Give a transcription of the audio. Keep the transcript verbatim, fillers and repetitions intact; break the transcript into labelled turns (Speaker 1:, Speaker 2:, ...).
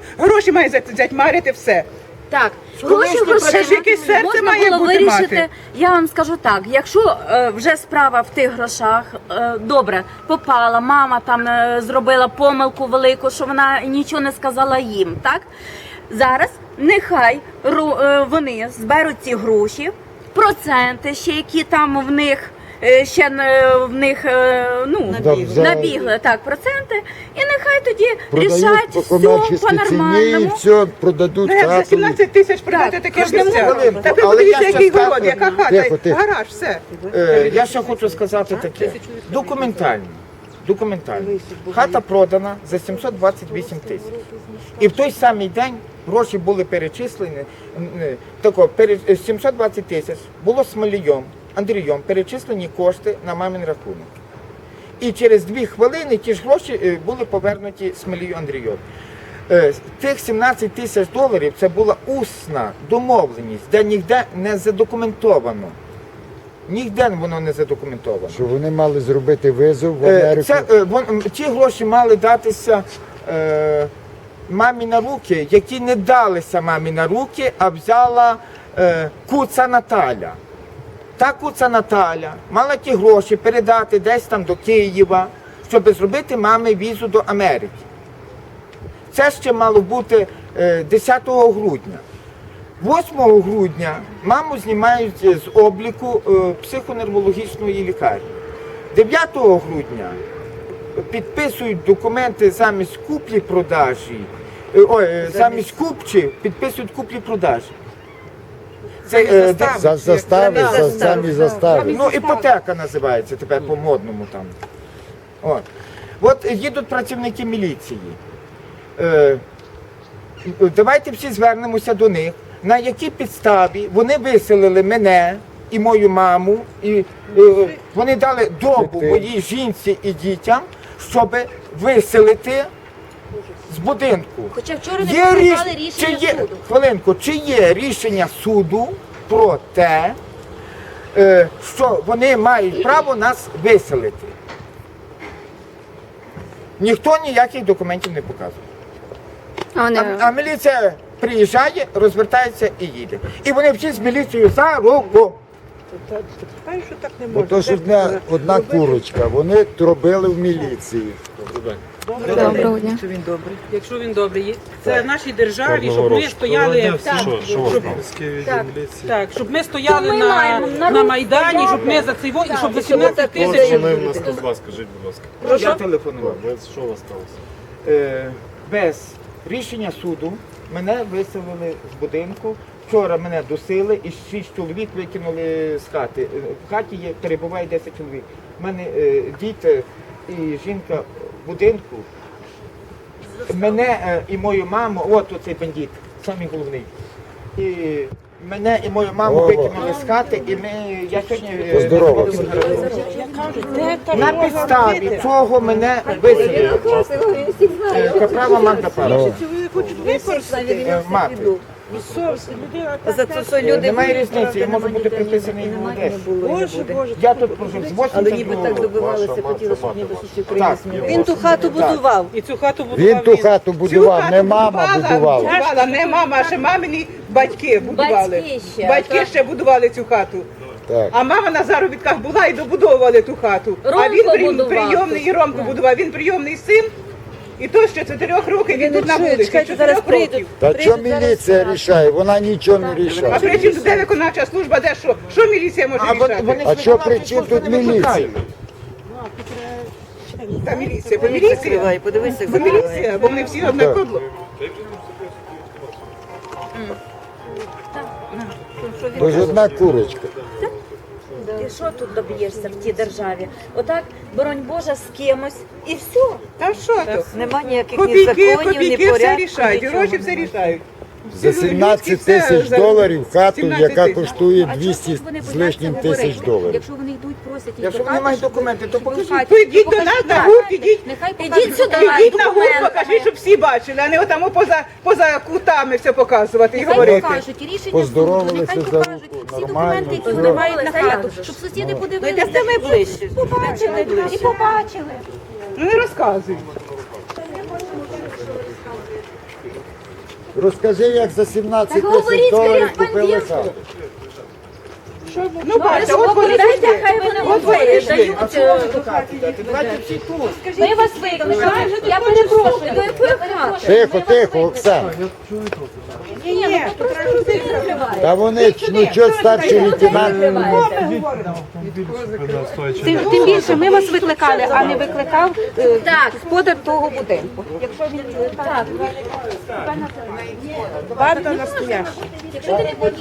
Speaker 1: Гроші має затьмарити все.
Speaker 2: Так, гроші
Speaker 1: Це ж якесь серце
Speaker 2: можна
Speaker 1: має
Speaker 2: було
Speaker 1: бути
Speaker 2: вирішити.
Speaker 1: мати.
Speaker 2: Я вам скажу так, якщо е, вже справа в тих грошах, е, добре, попала, мама там е, зробила помилку велику, що вона нічого не сказала їм, так? Зараз нехай ру- е, вони зберуть ці гроші, проценти ще, які там в них, е, ще е, в них, е, ну,
Speaker 3: Набігли.
Speaker 2: набігли, так, проценти, і нехай тоді
Speaker 3: Продають
Speaker 2: рішать
Speaker 3: по
Speaker 2: все
Speaker 3: комерційній ціні і
Speaker 2: по-нормальному.
Speaker 3: все, продадуть
Speaker 1: Ну як за
Speaker 3: хату.
Speaker 1: сімнадцять тисяч продати таке
Speaker 2: кожному
Speaker 1: місця?
Speaker 4: хвилинку,
Speaker 1: Та ви
Speaker 4: але
Speaker 1: подивіться,
Speaker 4: я
Speaker 1: який
Speaker 4: щас
Speaker 1: город,
Speaker 4: так-
Speaker 1: яка хата,
Speaker 3: Тихо, тихо.
Speaker 1: гараж, все.
Speaker 4: Е, Я ще хочу сказати таке. Документально. Документально. Хата продана за сімсот двадцять вісім тисяч. І в той самий день гроші були перечислені. е, Тако, пере- е, сімсот двадцять тисяч було Смолієм, Андрієм перечислені кошти на мамин рахунок. І через дві хвилини ті ж гроші е, були повернуті Смолію Андрію. Е, Тих сімнадцять тисяч доларів це була усна домовленість, де ніде не задокументовано. Ніде воно не задокументовано.
Speaker 3: Що вони мали зробити визов в
Speaker 4: Е,
Speaker 3: Америку.
Speaker 4: Це, е, вон, ті гроші мали датися е, мамі на руки, які не далися мамі на руки, а взяла е, Куца Наталя. Та Куца Наталя мала ті гроші передати десь там до Києва, щоб зробити мамі візу до Америки. Це ще мало бути е, десятого грудня. восьмого грудня маму знімають з обліку е, психоневрологічної лікарні. дев'ятого грудня підписують документи замість куплі-продажі, е, ой, е, замість купчі підписують куплі-продажі. Це, е, де-
Speaker 3: За застави,
Speaker 1: Замість
Speaker 3: за
Speaker 1: застави.
Speaker 3: самі застави.
Speaker 4: Ну, іпотека називається тепер по-модному там. От. От їдуть працівники міліції. Е, давайте всі звернемося до них, на якій підставі вони виселили мене і мою маму, і е, вони дали добу моїй жінці і дітям, щоб виселити з будинку.
Speaker 2: Хоча вчора не
Speaker 4: Є
Speaker 2: підписали
Speaker 4: ріш-
Speaker 2: рішення
Speaker 4: чи є,
Speaker 2: суду.
Speaker 4: Хвилинку, чи є рішення суду про те, е, що вони мають право нас виселити? Ніхто ніяких документів не показує. А, а міліція приїжджає, розвертається і їде. І вони всі з міліцією за руку.
Speaker 1: що так не
Speaker 3: Бо то ж одна, одна курочка, вони робили в міліції.
Speaker 2: Доброго дня.
Speaker 5: Якщо він добрий. Якщо він добрий, є- це в нашій державі, щоб ми стояли, щоб, так, щоб ми стояли
Speaker 2: То ми
Speaker 5: на,
Speaker 2: маємо на
Speaker 5: на
Speaker 2: руку
Speaker 5: Майдані, щоб ми за цей во- і щоб за сімнадцять тисяч.
Speaker 6: Вони в нас тут вас, скажіть, будь ласка.
Speaker 4: Я телефонував.
Speaker 6: Ви- Що у вас сталося?
Speaker 4: Е, без рішення суду мене виселили з будинку. Вчора мене досили і шість чоловік викинули з хати. Е, В хаті є, перебуває десять чоловік. У мене е, діти і жінка в будинку. Мене е, і мою маму, от оцей бандит, самий головний. І мене і мою маму
Speaker 3: Ова.
Speaker 4: викинули з хати, і ми, я сьогодні е,
Speaker 3: Поздоровався.
Speaker 4: на підставі чого мене виселили. Е, Каправа Магда Павлівна. Е, Мати.
Speaker 5: За це все
Speaker 4: Е, Немає різниці, я можу бути приписаний в Одесі.
Speaker 5: Боже, Боже.
Speaker 4: Я тут прожив з восьмидесятого року.
Speaker 6: добивалися, хотіли, щоб ніби
Speaker 4: Так,
Speaker 5: Він ту хату будував. І цю хату будував
Speaker 3: Він ту хату будував, не мама будувала.
Speaker 1: будувала. Не мама, а ще мамині батьки будували.
Speaker 2: Батьки ще,
Speaker 1: Батьки
Speaker 2: так.
Speaker 1: ще будували цю хату.
Speaker 3: Так.
Speaker 1: А мама на заробітках була і добудовували ту хату. а
Speaker 2: Ромко
Speaker 1: він при-
Speaker 2: будував
Speaker 1: прийомний, і Ромко будував. Він прийомний син. І то ще чотирьох років він тут на
Speaker 5: чує,
Speaker 1: вулиці.
Speaker 5: чекайте,
Speaker 1: чотирьох
Speaker 5: зараз прийдуть.
Speaker 1: років.
Speaker 3: Та що міліція рішає? Вона нічого не
Speaker 1: А
Speaker 3: рішає.
Speaker 1: при чому де виконавча служба, де що? Що міліція може
Speaker 4: А вони-
Speaker 1: рішати?
Speaker 4: вони
Speaker 3: А
Speaker 4: ж
Speaker 3: що
Speaker 4: виконавчі
Speaker 3: при чому
Speaker 4: служби
Speaker 3: тут
Speaker 4: не
Speaker 3: міліція?
Speaker 4: викликають.
Speaker 1: Та міліція, бо міліція.
Speaker 5: Подивися, як
Speaker 1: Бо міліція, бо вони всі одне
Speaker 3: Так.
Speaker 1: кодло.
Speaker 3: Бо ж одна курочка.
Speaker 2: І що тут доб'єшся в тій державі? Отак, боронь Божа, з кимось і все.
Speaker 1: Та що то?
Speaker 5: Нема ніяких ні
Speaker 1: Копійки,
Speaker 5: законів, ні
Speaker 1: копійки все
Speaker 5: порядку,
Speaker 1: рішають, і
Speaker 5: нічого.
Speaker 1: гроші все рішають.
Speaker 3: За сімнадцять тисяч доларів хату, яка коштує двісті з лишнім тисяч доларів.
Speaker 7: Якщо вони йдуть, просять їх
Speaker 4: Якщо
Speaker 7: до
Speaker 4: вони
Speaker 7: хати,
Speaker 4: мають
Speaker 7: щоб
Speaker 4: документи, то покажіть.
Speaker 7: хаті,
Speaker 1: То йдіть до
Speaker 7: покажіть
Speaker 1: нас на
Speaker 7: так.
Speaker 1: гурт, ідіть.
Speaker 7: Нехай
Speaker 2: Ідіть
Speaker 7: покажуть
Speaker 2: сюди.
Speaker 7: документи.
Speaker 1: Ідіть на гурт, покажіть, щоб всі бачили, а не отамо поза, поза кутами все показувати і
Speaker 7: Нехай
Speaker 1: говорити.
Speaker 7: покажуть і рішення суду,
Speaker 3: Поздоровалися
Speaker 7: нехай
Speaker 3: за
Speaker 7: покажуть
Speaker 3: руку,
Speaker 7: всі
Speaker 3: нормально,
Speaker 7: документи, які
Speaker 3: все.
Speaker 7: вони мають на
Speaker 2: Поздоровалися,
Speaker 7: хату,
Speaker 2: як
Speaker 7: щоб сусіди
Speaker 5: Ну
Speaker 7: подивилися.
Speaker 5: йдете ми ближче.
Speaker 7: Побачили, і побачили.
Speaker 1: Ну не розказуй.
Speaker 3: Розкажи, як за сімнадцять
Speaker 2: Так
Speaker 3: тисяч
Speaker 2: говоріть з
Speaker 3: доларів купили
Speaker 2: кореспондентом.
Speaker 3: хату.
Speaker 1: Ну, бачите, от вони
Speaker 2: Говорите,
Speaker 1: прийшли.
Speaker 2: хай вони
Speaker 1: От вони
Speaker 2: дають.
Speaker 1: прийшли.
Speaker 4: А чого ви до хати йдете? Давайте всі тут.
Speaker 2: Ми вас викликали. Я перепрошую, до якої хати?
Speaker 3: Тихо, тихо, Оксана.
Speaker 1: Ні, ні, то треба людей закривати.
Speaker 3: Та вони, ну чого старший лейтенант?
Speaker 7: Тим, тим більше ми вас викликали, а не викликав е,
Speaker 2: Так.
Speaker 7: господар того будинку. Якщо він так.
Speaker 1: Банда настояща.
Speaker 2: Якщо ти не